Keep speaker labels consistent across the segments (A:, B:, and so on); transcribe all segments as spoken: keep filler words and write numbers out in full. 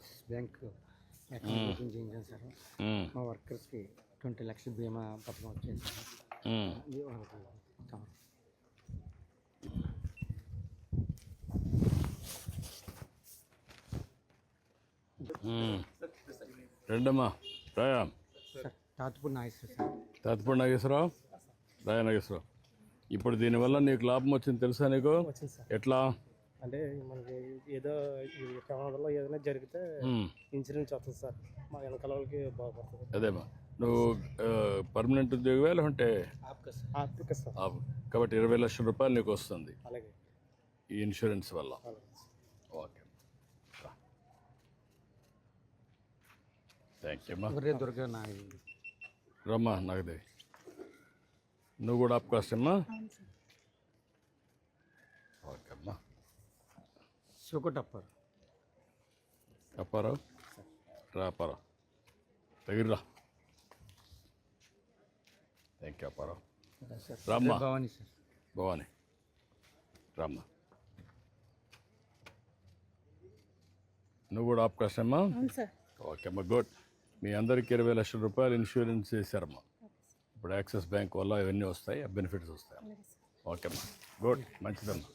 A: Axis bank account open చేయించాను sir. మా వర్కర్స్కి ట్వంటీ లక్షల బీమా పథకం వచ్చింది సార్. ఇది వాళ్ళకి ఇస్తాం.
B: రెండమ్మా రాయా
A: సార్ తాతుపూడి నాగేశ్వర సార్.
B: తాతపూడి నాగేశ్వరరావు, రాయా నాగేశ్వరరావు. ఇప్పుడు దీనివల్ల నీకు లాభం వచ్చింది తెలుసా నీకు?
A: వచ్చింది సార్.
B: ఎట్లా
A: అంటే మనకి ఏదో ఈ ప్రమాదంలో ఏదైనా జరిగితే ఇన్సూరెన్స్ వస్తుంది సార్. మా వెనకాల వాళ్ళకి బాగుపడుతుంది.
B: అదేమ్మా, నువ్వు పర్మనెంట్ ఉద్యోగమే లేకుంటే
A: సార్.
B: కాబట్టి ఇరవై లక్షల రూపాయలు నీకు వస్తుంది
A: అలాగే
B: ఈ ఇన్సూరెన్స్ వల్ల. ఓకే, థ్యాంక్ యూ అమ్మా.
A: దుర్గా
B: రమ్మా నాగదేవి, నువ్వు కూడా ఆప్కాస్ట్ అమ్మా. ఓకే అమ్మా.
A: సుకటప్పర్
B: అప్పారావు, రా అప్పారావు, దగ్గర రా. Thank you Apparao. రామ్మా.
A: భవానీ సార్.
B: భవానీ రామ్మా. నువ్వు కూడా ఆప్కాస్ట్ అమ్మా. ఓకే అమ్మా, గుడ్. మీ అందరికీ ఇరవై లక్షల రూపాయలు ఇన్సూరెన్స్ చేశారమ్మా. ఇప్పుడు యాక్సిస్ బ్యాంక్ వల్ల ఇవన్నీ వస్తాయి, ఆ బెనిఫిట్స్ వస్తాయి. ఓకే అమ్మా, గుడ్, మంచిదమ్మా.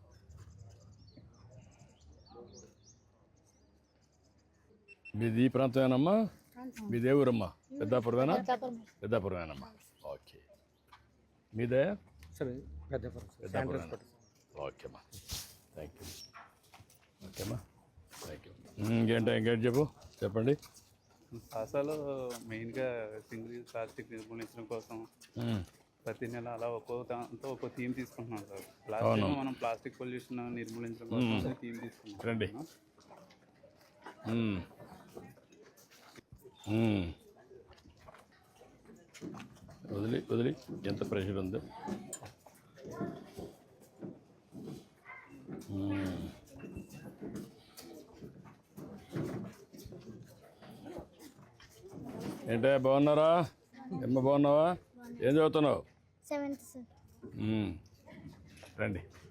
B: మీది ఈ ప్రాంతమేనమ్మా? మీదే ఊరమ్మా? పెద్దాపురమేనా? పెద్దాపురమేనమ్మా. ఓకే, మీదే పెద్దాపురం. ఓకే అమ్మా, థ్యాంక్ యూ. ఓకే అమ్మా, థ్యాంక్ యూ. ఇంకేంటో ఇంకేంటి చెప్పు చెప్పండి.
C: అసలు మెయిన్గా సింగిల్ యూజ్ ప్లాస్టిక్ నిర్మూలించడం కోసం ప్రతి నెల అలా ఒక్కో దాంతో ఒక్కో థీమ్ తీసుకుంటున్నాం సార్. లాస్ట్ మనం ప్లాస్టిక్ పొల్యూషన్ నిర్మూలించడం కోసం థీమ్ తీసుకుంటాం.
B: రండి. వదిలి వదిలి ఎంత ప్రెషర్ ఉంది. ఏంటే బాగున్నారా? ఎమ్మ బాగున్నావా? ఏం చదువుతున్నావు?
D: Seventh sir.
B: రండి.